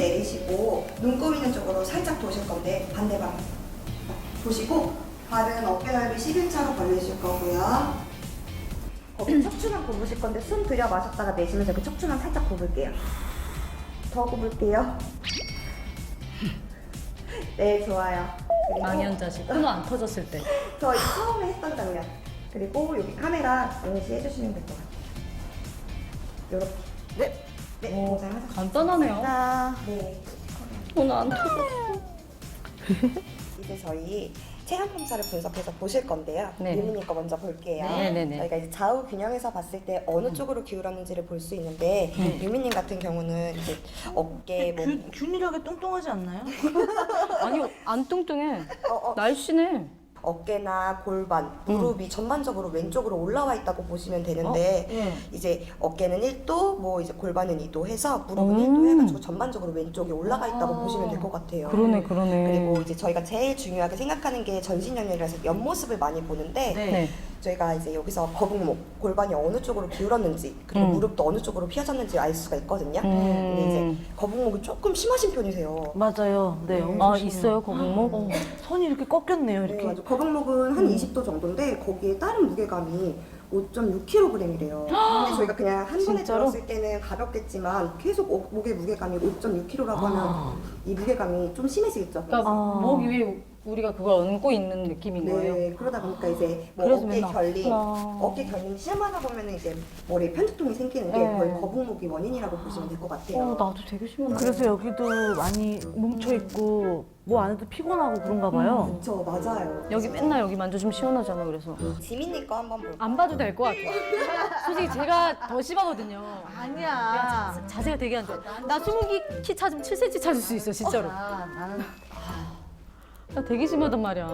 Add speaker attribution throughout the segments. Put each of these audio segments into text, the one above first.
Speaker 1: 내리시고 눈 꾸미는 쪽으로 살짝 도실 건데 반대방 보시고 발은 어깨 넓이 11차로 벌리실 거고요. 거기 척추만 굽으실 건데 숨 들여 마셨다가 내쉬면서 그 척추만 살짝 굽을게요. 더 굽을게요. 네, 좋아요. 그리고
Speaker 2: 망연자실. 코너 안 터졌을 때.
Speaker 1: 저희 처음에 했던 장면. 그리고 여기 카메라 응시 해주시면 될 것 같아요. 요렇게. 네. 네,
Speaker 2: 오,
Speaker 1: 고생하셨습니다.
Speaker 2: 간단하네요.
Speaker 1: 네.
Speaker 2: 코너 안 터졌어.
Speaker 1: 이제 저희 체형 검사를 분석해서 보실 건데요.
Speaker 2: 네.
Speaker 1: 유미님 거 먼저 볼게요.
Speaker 2: 네네네.
Speaker 1: 저희가 이제 좌우 균형에서 봤을 때 어느 쪽으로 기울었는지를 볼 수 있는데 유미님 같은 경우는 이제 어깨, 목,
Speaker 3: 균일하게 뚱뚱하지 않나요?
Speaker 2: 아니, 안 뚱뚱해. 날씬해.
Speaker 1: 어깨나 골반, 무릎이 전반적으로 왼쪽으로 올라와 있다고 보시면 되는데
Speaker 3: 예.
Speaker 1: 이제 어깨는 1도, 뭐 이제 골반은 2도 해서 무릎은 1도 해가지고 전반적으로 왼쪽에 올라가 있다고 보시면 될 것 같아요.
Speaker 2: 그러네.
Speaker 1: 그리고 이제 저희가 제일 중요하게 생각하는 게 전신연결이라서 옆모습을 많이 보는데
Speaker 2: 네.
Speaker 1: 저희가 이제 여기서 거북목, 골반이 어느 쪽으로 기울었는지 그리고 무릎도 어느 쪽으로 피어졌는지 알 수가 있거든요. 근데 이제 거북목이 조금 심하신 편이세요.
Speaker 3: 맞아요. 네. 엄청
Speaker 2: 아,
Speaker 3: 심해요.
Speaker 2: 있어요, 거북목?
Speaker 3: 손이 이렇게 꺾였네요.
Speaker 1: 네,
Speaker 3: 이렇게.
Speaker 1: 맞아. 거북목은 한 20도 정도인데 거기에 다른 무게감이 5.6kg이래요. 근데 저희가 그냥 한 번에
Speaker 2: 진짜로?
Speaker 1: 들었을 때는 가볍겠지만 계속 목의 무게감이 5.6kg라고 하면 이 무게감이 좀 심해지겠죠.
Speaker 2: 그러니까 목 위에 우리가 그걸 얹고 있는 느낌인 거예요.
Speaker 1: 네, 그러다 보니까 이제 뭐
Speaker 2: 그래서
Speaker 1: 어깨
Speaker 2: 맨날
Speaker 1: 결림,
Speaker 2: 아프구나.
Speaker 1: 어깨 결림이 심하다 보면 이제 머리에 편두통이 생기는 게
Speaker 2: 네.
Speaker 1: 거의 거북목이 원인이라고 보시면 될 것 같아요.
Speaker 2: 나도 되게 심한데.
Speaker 3: 그래서 여기도 많이 뭉쳐 있고 뭐 안 해도 피곤하고 그런가 봐요.
Speaker 1: 그렇죠, 맞아요.
Speaker 2: 여기 맨날 여기 만져주면 시원하잖아, 그래서.
Speaker 1: 지민이 거 한번 볼까요?
Speaker 2: 안 봐도 될 것 같아요. 솔직히 제가 더 심하거든요.
Speaker 3: 아니야.
Speaker 2: 자세가 되게 안 좋아. 나 20키 찾으면 7cm 찾을 수 있어, 진짜로.
Speaker 3: 나는
Speaker 2: 나 되게 심하단 말이야.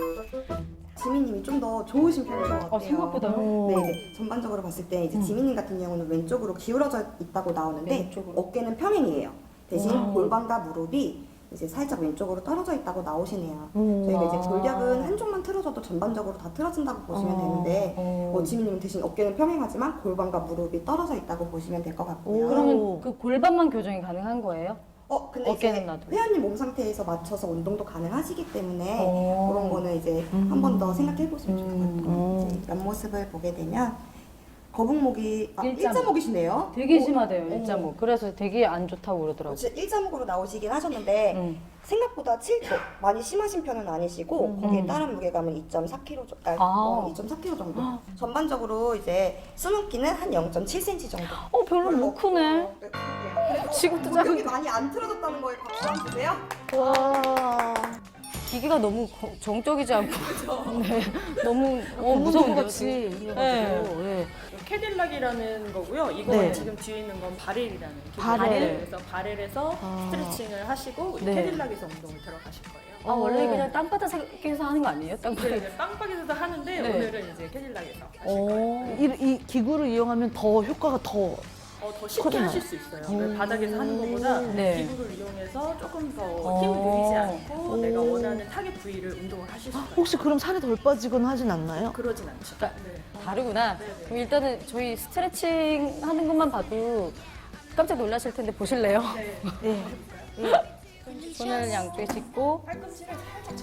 Speaker 1: 지민님이 좀 더 좋으신 편인 것 같아요.
Speaker 2: 생각보다요?
Speaker 1: 네, 이제 전반적으로 봤을 때 이제 지민님 같은 경우는 왼쪽으로 기울어져 있다고 나오는데
Speaker 2: 왼쪽으로?
Speaker 1: 어깨는 평행이에요. 대신 골반과 무릎이 이제 살짝 왼쪽으로 떨어져 있다고 나오시네요. 저희가 이제 골격은 한쪽만 틀어져도 전반적으로 다 틀어진다고 보시면 되는데 지민님은 대신 어깨는 평행하지만 골반과 무릎이 떨어져 있다고 보시면 될 것 같고요.
Speaker 2: 그러면 그 골반만 교정이 가능한 거예요?
Speaker 1: 근데
Speaker 2: 어깨는
Speaker 1: 이제
Speaker 2: 놔둬요?
Speaker 1: 회원님 몸 상태에서 맞춰서 운동도 가능하시기 때문에
Speaker 2: 오.
Speaker 1: 그런 거는 이제 한 번 더 생각해 보시면 좋을 것 같아요. 이제 옆모습을 보게 되면 거북목이 일자목이시네요.
Speaker 2: 되게 심하대요, 일자목. 그래서 되게 안 좋다고 그러더라고요.
Speaker 1: 진짜 일자목으로 나오시긴 하셨는데 생각보다 7도 많이 심하신 편은 아니시고 거기에 따른 무게감은 2.4kg, 2.4kg 정도. 전반적으로 이제 수문기는 한 0.7cm 정도.
Speaker 2: 별로 못 크네. 지금도
Speaker 1: 목욕이 많이 안 틀어졌다는 거에 박수 한번 주세요.
Speaker 3: 와.
Speaker 2: 기계가 너무 정적이지 않고 네, 너무 무서운데요.
Speaker 3: 같이.
Speaker 2: 지금?
Speaker 3: 네.
Speaker 4: 캐딜락이라는 거고요. 이거
Speaker 3: 네.
Speaker 4: 지금 뒤에 있는 건 바렐이라는
Speaker 3: 바렐?
Speaker 4: 그래서 바렐에서 스트레칭을 하시고
Speaker 2: 네.
Speaker 4: 캐딜락에서 운동을 들어가실 거예요.
Speaker 2: 원래 그냥 땅바닥에서 하는 거 아니에요? 땅바닥.
Speaker 4: 네, 빵빵에서도 하는데
Speaker 2: 네.
Speaker 4: 오늘은 이제 캐딜락에서 하실 거예요.
Speaker 3: 이 기구를 이용하면 더 효과가 더
Speaker 4: 더 쉽게
Speaker 3: 커지나요?
Speaker 4: 하실 수 있어요. 바닥에서 하는 것보다
Speaker 2: 네.
Speaker 4: 기구를 이용해서 조금 더 힘을 들이지 않고 내가 원하는 타겟 부위를 운동을 하실 수가 있어요.
Speaker 3: 혹시 그럼 살이 덜 빠지거나 하진 않나요?
Speaker 4: 그러진 않죠.
Speaker 2: 그러니까
Speaker 4: 네.
Speaker 2: 다르구나. 그럼 일단은 저희 스트레칭 하는 것만 봐도 깜짝 놀라실 텐데 보실래요?
Speaker 3: 네.
Speaker 2: 손을 양쪽에 짚고
Speaker 4: 팔꿈치를 살짝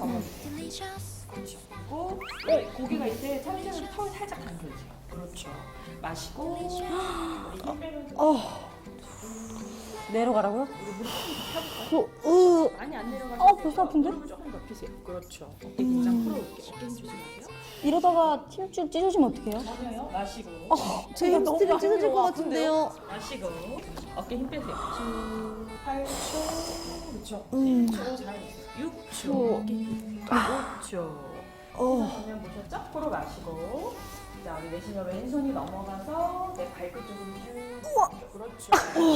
Speaker 4: 접어주고 고기가 이때 참이슬을 턱을 살짝 당겨주세요. 그렇죠. 마시고 힘 빼면서
Speaker 2: 내려가라고요?
Speaker 4: 많이 안 내려가서
Speaker 2: 벌써 아픈데?
Speaker 4: 무릎을 조금 높이세요. 그렇죠. 어깨 긴장 풀어올게요. 어깨 힘 조심하세요.
Speaker 2: 이러다가 힘줄 찢어지면 어떡해요?
Speaker 4: 맞아요. 마시고
Speaker 3: 제 햄스트링 찢어질 것 같은데요.
Speaker 4: 마시고 어깨 힘 빼세요. 8초 그렇죠. 7초 잘하셨어요. 6초 어깨 힘 5초 그러면 보셨죠? 코로 마시고 자 우리 내쉬면 왼손이 넘어가서 내 발끝 쪽으로 쭉 그렇죠.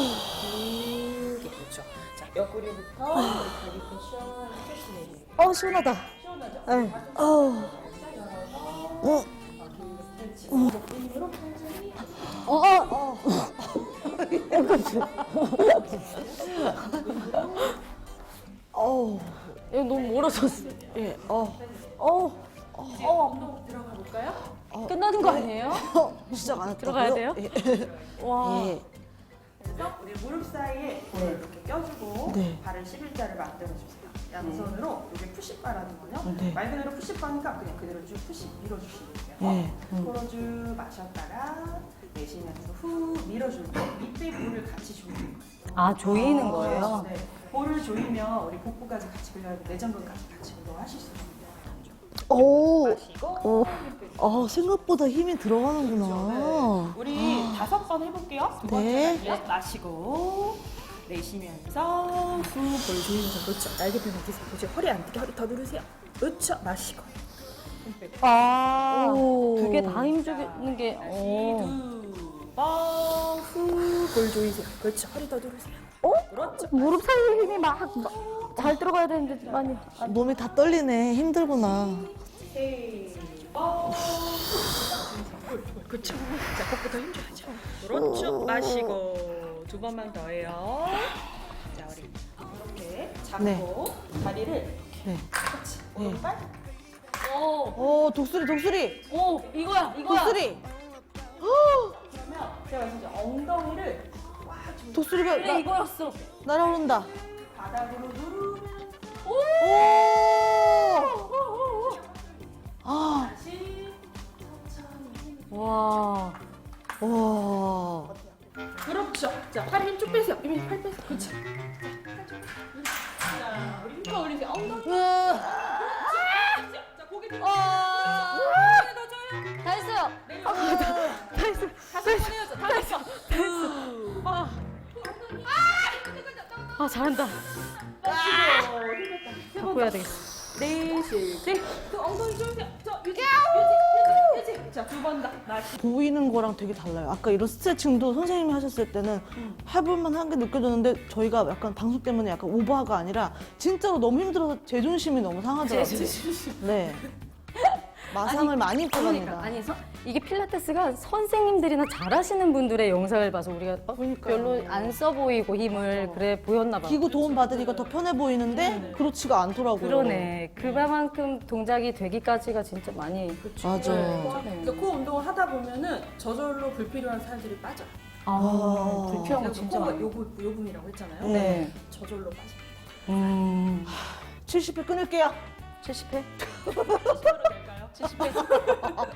Speaker 4: 길게 그렇죠. 자 옆구리부터 다리부터 시원하게 스트레치 내리고
Speaker 3: 시원하다.
Speaker 4: 시원하죠?
Speaker 3: 네.
Speaker 4: 살짝 열어서 스트레치 힘으로 천천히
Speaker 2: 이거 너무 멀어졌어.
Speaker 3: 예.
Speaker 4: 이제 운동 들어가 볼까요?
Speaker 2: 끝나는 거 아니에요?
Speaker 3: 시작 안 했다고요?
Speaker 2: 들어가야 돼요?
Speaker 3: 예.
Speaker 2: 와.
Speaker 3: 예.
Speaker 4: 그래서 우리 무릎 사이에 볼을 이렇게 껴주고
Speaker 3: 네.
Speaker 4: 발을 11자를 만들어주세요. 양손으로 이게 푸시바라는 거요.
Speaker 3: 네.
Speaker 4: 말 그대로 푸시바니까 그냥 그대로 쭉 푸시 밀어주시면 돼요.
Speaker 3: 네.
Speaker 4: 코로 쭉 마셨다가 내쉬면서 후 밀어줄 때 밑에 볼을 같이 조이는 거예요.
Speaker 2: 아, 조이는 거예요?
Speaker 4: 네. 볼을 조이면 우리 복부까지 같이 끌려가고 내전근까지 같이 운동하실 수 있습니다.
Speaker 3: 오.
Speaker 4: 마시고
Speaker 3: 생각보다 힘이 들어가는구나.
Speaker 4: 네. 우리 5번 해볼게요. 두 번째
Speaker 3: 네.
Speaker 4: 갈게요. 마시고 내쉬면서 후 볼 조이면서 그렇죠. 날개뼈 느끼세요. 그렇죠. 허리 안 뜨게 허리 더 누르세요. 그렇죠. 마시고 힘 빼고.
Speaker 2: 아,
Speaker 3: 오.
Speaker 2: 그게 다 힘주는 게,
Speaker 4: 다시 두번후볼 조이세요. 그렇죠. 허리 더 누르세요. 그렇죠.
Speaker 2: 무릎 사이에 힘이 막 잘 들어가야 되는데 많이.
Speaker 3: 몸이 다 떨리네. 힘들구나.
Speaker 4: 그렇죠. 자, 복부터 힘줘야죠. 그렇죠. 마시고 2번만 더 해요. 자, 우리 이렇게 잡고
Speaker 3: 네.
Speaker 4: 다리를
Speaker 3: 네.
Speaker 4: 그렇지. 오른발.
Speaker 3: 오, 독수리.
Speaker 2: 오, 이거야.
Speaker 3: 독수리.
Speaker 4: 그러면 제가 말씀드린 엉덩이를 꽉 좀
Speaker 3: 독수리가
Speaker 2: 그래, 이거였어.
Speaker 3: 날아오른다.
Speaker 4: 바닥으로 누르면
Speaker 3: 오! 아,
Speaker 4: 다시 천천히.
Speaker 2: 와.
Speaker 3: 와.
Speaker 4: 그렇죠. 자, 팔 힘 쭉 빼세요. 이미 팔 빼세요. 그렇죠. 자, 우리 힘껏 올리세요. 엉덩이.
Speaker 3: 으아.
Speaker 4: 자, 고개 들어.
Speaker 2: 다 했어요.
Speaker 4: 다 됐어.
Speaker 2: 아, 잘한다.
Speaker 4: 세
Speaker 2: 갖고 해야 되겠어.
Speaker 4: 내쉴 때. 그 엉덩이 조이세요. 저 유지. 자, 2번 더. 마시.
Speaker 3: 보이는 거랑 되게 달라요. 아까 이런 스트레칭도 선생님이 하셨을 때는 해볼만 한 게 느껴졌는데 저희가 약간 방송 때문에 약간 오버가 아니라 진짜로 너무 힘들어서 제존심이 너무 상하더라고요. 네. 마상을 많이 입고
Speaker 2: 그러니까
Speaker 3: 갑니다.
Speaker 2: 아니 이게 필라테스가 선생님들이나 잘하시는 분들의 영상을 봐서 우리가
Speaker 3: 그러니까요.
Speaker 2: 별로 안 써 보이고 힘을 그래 보였나 봐.
Speaker 3: 기구 도움 받으니까 더 편해 보이는데 그렇지가 않더라고요.
Speaker 2: 그러네. 그만큼 동작이 되기까지가 진짜 많이.
Speaker 3: 맞아.
Speaker 4: 그러니까 그 운동을 하다 보면은 저절로 불필요한 살들이 빠져요.
Speaker 2: 아, 불필요한 거
Speaker 4: 그래서
Speaker 2: 진짜
Speaker 4: 코가
Speaker 2: 많아.
Speaker 4: 요 부분이라고 했잖아요.
Speaker 2: 네.
Speaker 4: 저절로 빠집니다.
Speaker 3: 70회 끊을게요.
Speaker 2: 70회?
Speaker 4: 70으로 될까요? 70회.